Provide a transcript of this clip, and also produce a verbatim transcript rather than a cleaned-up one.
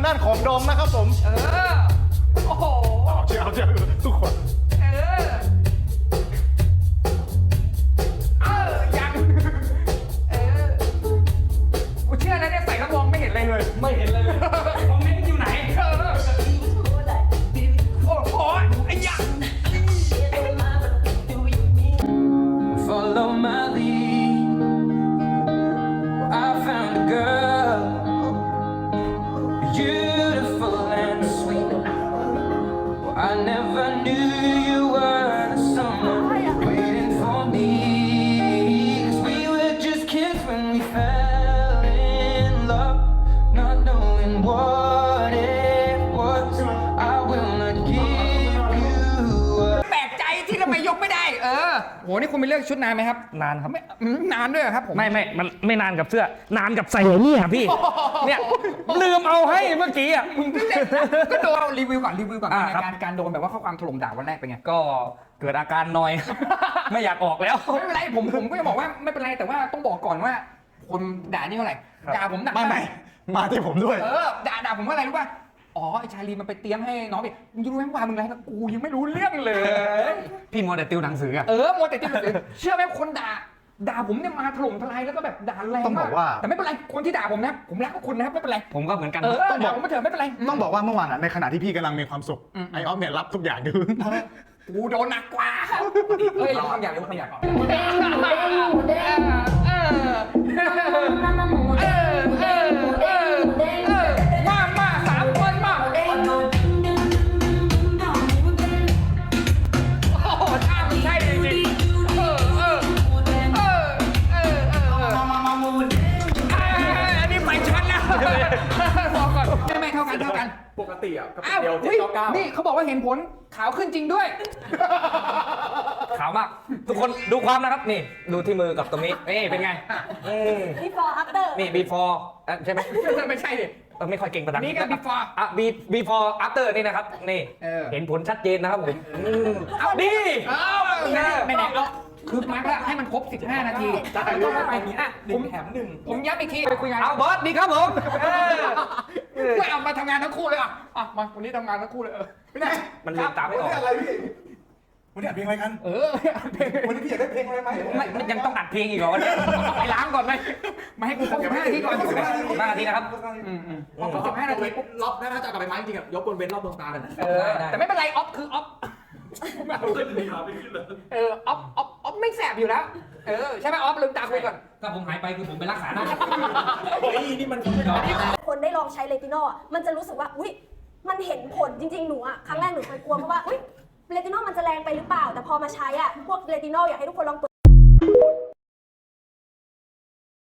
ด้านของดมนะครับผมเออโอ้โหเอาเชื่อเอาเชื่อทุกคนเออเออยังเออกูเชื่อนะเนี่ยใส่กระบองไม่เห็นอะไรเลยไม่เห็นเลยคอมเมนต์อยู่ไหนเออโอ้โหไอ้ยักษ์ Follow my lead. I found a girl, beautiful and sweet. I never knew you were the someone waiting for me. 'Cause we were just kids when we fell in love, not knowing what it was. I will not give you up. แปลกใจที่ทำไมยกไม่ได้เออโหนี่คุณไปเลือกชุดนานไหมครับนานครับไม่อืมนานด้วยเหรอครับผมไม่ไม่มันไม่นานกับเสื้อนานกับใส่เนี่ยพี่ เนี่ยลืมเอาให้เมื่อกี้อ่ะก็โดนรีวิวก่อนรีวิวก่อนอ่าในครับการการโดนแบบว่าข้อความถล่มด่าวันแรกเป็นไงก็เกิดอาการนอย ไม่อยากออกแล้วไม่เป็นไรผมผมก็จะบอกว่าไม่เป็นไรแต่ว่าต้องบอกก่อนว่าคนด่านี่เท่าไหร่ครับด่าผมหนักไม่ไม่มาที่ผมด้วยเออด่าด่าผมว่าอะไรรู้ป่ะอ๋อไอชาลีมันไปเตรียมให้น้องดิมึงจะรู้ไหมว่ามึงอะไรกับกูยังไม่รู้เรื่องเลยพี่มัวแต่ติวหนังสืออ่ะเออมัวแต่ที่หนังสือเชื่อไหมคนด่าด่าผมเนี่ยมาถล่มทลายแล้วก็แบบด่าแรงต้องมาบอก กว่าแต่ไม่เป็นไรคนที่ด่าผมนะผมรักคุณนะครับไม่เป็นไรผมก็เหมือนกันเออต้องบอกด่าผมมาเถอะไม่เป็นไรต้องบอกว่าเมื่อวานอะในขณะที่พี่กำลังมีความสุขอืมไอออฟเนี่ยรับทุกอย่างอยู่กูโดนหนักกว่าเฮ้ยเราทำอย่างเดียวทำอย่างก่อนเออเออเออเออเออเออมามาสามคนมาโอ้โหท่ามันใช่จริงๆเออเออเออเออเอออันนี้ไปชั้นแล้วพอก่อนไม่ไม่เท่ากันเท่ากันปกติอ่ะก็อ้าวเดียวเจ็ดเฮ้ยเก้าเก้านี่เขาบอกว่าเห็นผลขาวขึ้นจริงด้วยขาวมาก ทุกคนดูความนะครับนี่ดูที่มือกับตรงนี้นี่เป็นไงอืม before after นี่ before อ่ะใช่ไหมไม่ใช่ดิเออไม่ค่อยเก่งภาษาอังกฤษนี่ก็ before อ่ะ be- before after นี่นะครับนี่เออเห็นผลชัดเจนนะครับผมอืมเอาดีเอาไหนไหนไหนเอาคือมาร์กแล้วให้มันครบสิบห้านาทีแล้วก็ไปอย่างนี้อ่ะหนึ่งแถมหนึ่งผมย้ำอีกทีไปคุยงานเอาบอสดีครับผมเออไม่เอามาทำงานทั้งคู่เลยอ่ะอ่ะมาวันนี้ทำงานทั้งคู่เลยเออไม่ได้มันลืมตาไม่ออกอะไรพี่วันนี้อัดเพลงอะไรกันเออเพลงวันนี้พี่อยากได้เพลงอะไรไหมไม่ไม่ยังต้องอัดเพลงอีกเหรอวะเนี่ยไปล้างก่อนไหมมาให้กูครบสิบห้านาทีก่อนสิบห้านาทีนะครับอืมอืมครบสิบห้านาทีรอบนะถ้าจะกลับไปไม้จริงๆอ่ะยกบนเว้นรอบดวงตาเลยนะเออแต่ไม่เป็นไรออฟคือออฟขึ้นเลยครับไม่ขึ้นเลยเออออฟออฟออฟไม่แสบอยู่แล้วเออใช่ไหมออฟลืมตาคุยก่อนถ้าผมหายไปคือผมไปรักษาหน้าเฮ้ยนี่มันไม่ได้คนได้ลองใช้เลตินอลอ่ะมันจะรู้สึกว่าอุ้ยมันเห็นผลจริงๆหนูอ่ะครั้งแรกหนูเคยกลัวเพราะว่าอุ้ยเลตินอลมันจะแรงไปหรือเปล่าแต่พอมาใช้อ่ะพวกเลตินอลอยากให้ทุกคนลอง